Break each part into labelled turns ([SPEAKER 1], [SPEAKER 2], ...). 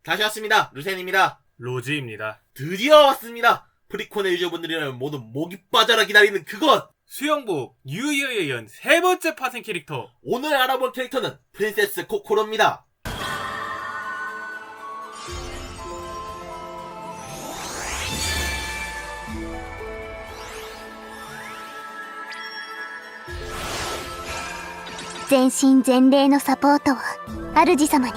[SPEAKER 1] 다시 왔습니다. 루센입니다.
[SPEAKER 2] 로즈입니다.
[SPEAKER 1] 드디어 왔습니다. 프리콘의 유저분들이라면 모두 목이 빠져라 기다리는 그것!
[SPEAKER 2] 수영복 뉴이어에 이은 세 번째 파생 캐릭터.
[SPEAKER 1] 오늘 알아볼 캐릭터는 프린세스 코코로입니다.
[SPEAKER 3] 全身全霊のサポートを主様に。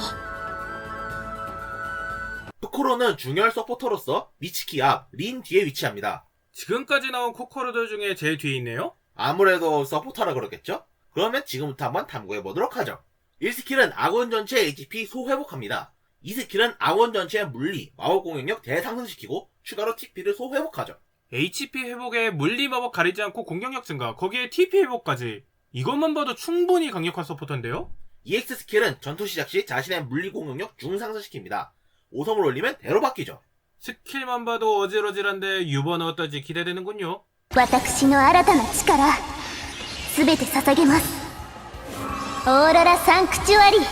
[SPEAKER 1] 코코로는 중열 서포터로서 미치키 앞, 린 뒤에 위치합니다.
[SPEAKER 2] 지금까지 나온 코코로들 중에 제일 뒤에 있네요?
[SPEAKER 1] 아무래도 서포터라 그러겠죠? 그러면 지금부터 한번 탐구해보도록 하죠. 1스킬은 아군 전체 HP 소회복합니다. 2스킬은 아군 전체의 물리, 마법 공격력 대상승시키고 추가로 TP를 소회복하죠.
[SPEAKER 2] HP 회복에 물리 마법 가리지 않고 공격력 증가, 거기에 TP 회복까지. 이것만 봐도 충분히 강력한 서포터인데요?
[SPEAKER 1] EX 스킬은 전투 시작 시 자신의 물리 공격력 중상승시킵니다. 5성을 올리면 대로 바뀌죠.
[SPEAKER 2] 스킬만 봐도 어질어질한데 유버는 어떨지 기대되는군요.
[SPEAKER 3] 私の新たな力すべて捧げます。オーロラサンクチュアリ。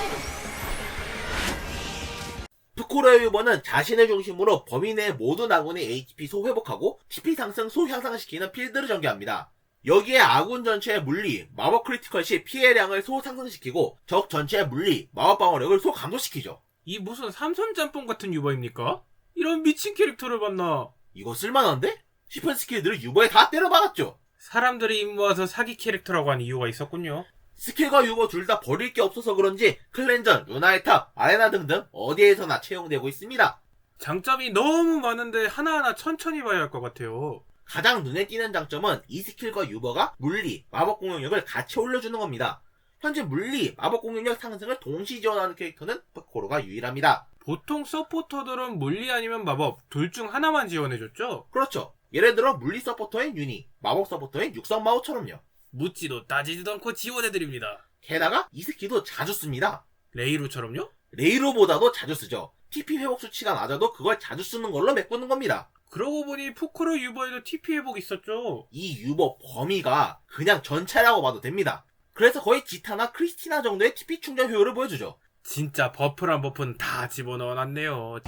[SPEAKER 1] 푸코로의 유버는 자신을 중심으로 범위 내 모든 아군의 HP 소회복하고 TP 상승 소향상시키는 필드를 전개합니다. 여기에 아군 전체의 물리, 마법 크리티컬 시 피해량을 소상승시키고 적 전체의 물리, 마법 방어력을 소감소시키죠.
[SPEAKER 2] 이 무슨 삼선 짬뽕 같은 유버입니까? 이런 미친 캐릭터를 봤나?
[SPEAKER 1] 이거 쓸만한데? 싶은 스킬들을 유버에 다 때려박았죠.
[SPEAKER 2] 사람들이 입모아서 사기 캐릭터라고 한 이유가 있었군요.
[SPEAKER 1] 스킬과 유버 둘 다 버릴 게 없어서 그런지 클렌전, 루나의 탑, 아레나 등등 어디에서나 채용되고 있습니다.
[SPEAKER 2] 장점이 너무 많은데 하나하나 천천히 봐야 할 것 같아요.
[SPEAKER 1] 가장 눈에 띄는 장점은 이 스킬과 유버가 물리, 마법 공격력을 같이 올려주는 겁니다. 현재 물리, 마법 공격력 상승을 동시 지원하는 캐릭터는 푸코로가 유일합니다.
[SPEAKER 2] 보통 서포터들은 물리 아니면 마법 둘 중 하나만 지원해줬죠?
[SPEAKER 1] 그렇죠. 예를 들어 물리 서포터인 유니, 마법 서포터인 육성마오처럼요.
[SPEAKER 2] 묻지도 따지지도 않고 지원해드립니다.
[SPEAKER 1] 게다가 이 스킬도 자주 씁니다.
[SPEAKER 2] 레이루처럼요?
[SPEAKER 1] 레이로보다도 자주 쓰죠. TP 회복 수치가 낮아도 그걸 자주 쓰는 걸로 메꾸는 겁니다.
[SPEAKER 2] 그러고 보니 푸코로 유버에도 TP 회복 있었죠?
[SPEAKER 1] 이 유버 범위가 그냥 전체라고 봐도 됩니다. 그래서 거의 지타나 크리스티나 정도의 TP 충전 효율을 보여주죠.
[SPEAKER 2] 진짜 버프란 버프는 다 집어넣어놨네요.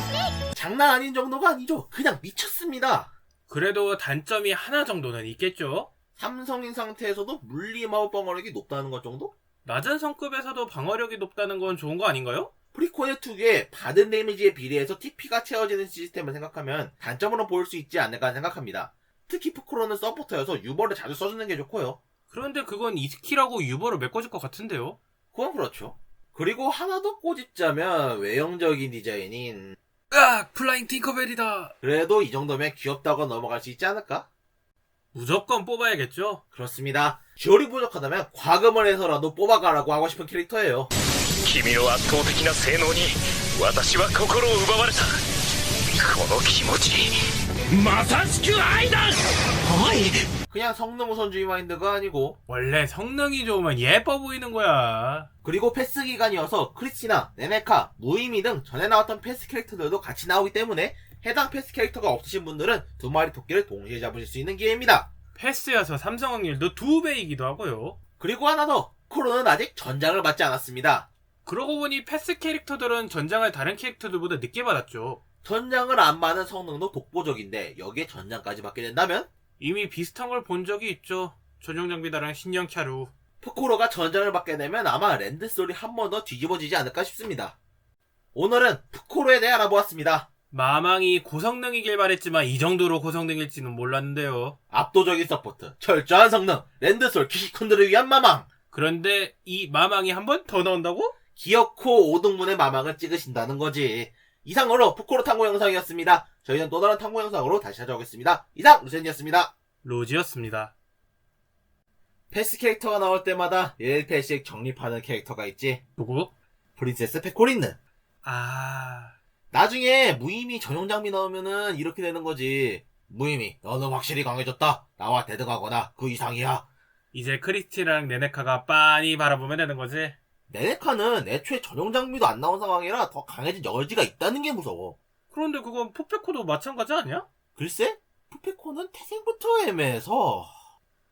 [SPEAKER 1] 장난 아닌 정도가 아니죠. 그냥 미쳤습니다.
[SPEAKER 2] 그래도 단점이 하나 정도는 있겠죠?
[SPEAKER 1] 삼성인 상태에서도 물리 마법 방어력이 높다는 것 정도?
[SPEAKER 2] 낮은 성급에서도 방어력이 높다는 건 좋은 거 아닌가요?
[SPEAKER 1] 프리콘의 특유의 받은 데미지에 비례해서 TP가 채워지는 시스템을 생각하면 단점으로 보일 수 있지 않을까 생각합니다. 특히 푸코로는 서포터여서 유버를 자주 써주는 게 좋고요.
[SPEAKER 2] 그런데 그건 이스킬하고 유버로 메꿔질 것 같은데요?
[SPEAKER 1] 그건 그렇죠. 그리고 하나 더 꼬집자면 외형적인 디자인인
[SPEAKER 2] 으악! 플라잉 팅커벨이다!
[SPEAKER 1] 그래도 이 정도면 귀엽다고 넘어갈 수 있지 않을까?
[SPEAKER 2] 무조건 뽑아야겠죠?
[SPEAKER 1] 그렇습니다. 듀얼이 부족하다면 과금을 해서라도 뽑아가라고 하고 싶은 캐릭터예요.
[SPEAKER 4] 君の圧倒的な性能に私は心を奪われた。この気持ちまさしく愛だ。はい。
[SPEAKER 1] 그냥 성능 우선주의 마인드가 아니고
[SPEAKER 2] 원래 성능이 좋으면 예뻐 보이는 거야.
[SPEAKER 1] 그리고 패스 기간이어서 크리스티나, 네네카, 무이미 등 전에 나왔던 패스 캐릭터들도 같이 나오기 때문에 해당 패스 캐릭터가 없으신 분들은 두 마리 토끼를 동시에 잡으실 수 있는 기회입니다.
[SPEAKER 2] 패스여서 삼성 확률도 2배이기도 하고요.
[SPEAKER 1] 그리고 하나 더, 코로는 아직 전장을 받지 않았습니다.
[SPEAKER 2] 그러고 보니 패스 캐릭터들은 전장을 다른 캐릭터들보다 늦게 받았죠.
[SPEAKER 1] 전장을 안 받는 성능도 독보적인데 여기에 전장까지 받게 된다면
[SPEAKER 2] 이미 비슷한 걸 본 적이 있죠. 전용 장비다랑 신형 캬루.
[SPEAKER 1] 푸코로가 전장을 받게 되면 아마 랜드솔이 한 번 더 뒤집어지지 않을까 싶습니다. 오늘은 푸코로에 대해 알아보았습니다.
[SPEAKER 2] 마망이 고성능이길 바랬지만 이 정도로 고성능일지는 몰랐는데요.
[SPEAKER 1] 압도적인 서포트, 철저한 성능, 랜드솔 키시콘들을 위한 마망.
[SPEAKER 2] 그런데 이 마망이 한 번 더 나온다고?
[SPEAKER 1] 기어코 5등분의 마망을 찍으신다는 거지. 이상으로 푸코로 탐구 영상이었습니다. 저희는 또 다른 탐구 영상으로 다시 찾아오겠습니다. 이상 루센이었습니다.
[SPEAKER 2] 로지였습니다.
[SPEAKER 1] 패스 캐릭터가 나올 때마다 1패씩 정립하는 캐릭터가 있지.
[SPEAKER 2] 누구?
[SPEAKER 1] 프린세스 페코린느.
[SPEAKER 2] 아...
[SPEAKER 1] 나중에 무의미 전용 장비 나오면은 이렇게 되는 거지. 무의미, 너는 확실히 강해졌다. 나와 대등하거나 그 이상이야.
[SPEAKER 2] 이제 크리스티랑 네네카가 빤히 바라보면 되는 거지.
[SPEAKER 1] 네네카는 애초에 전용 장비도 안 나온 상황이라 더 강해진 여지가 있다는 게 무서워.
[SPEAKER 2] 그런데 그건 포페코도 마찬가지 아니야?
[SPEAKER 1] 글쎄? 푸페코는 태생부터 애매해서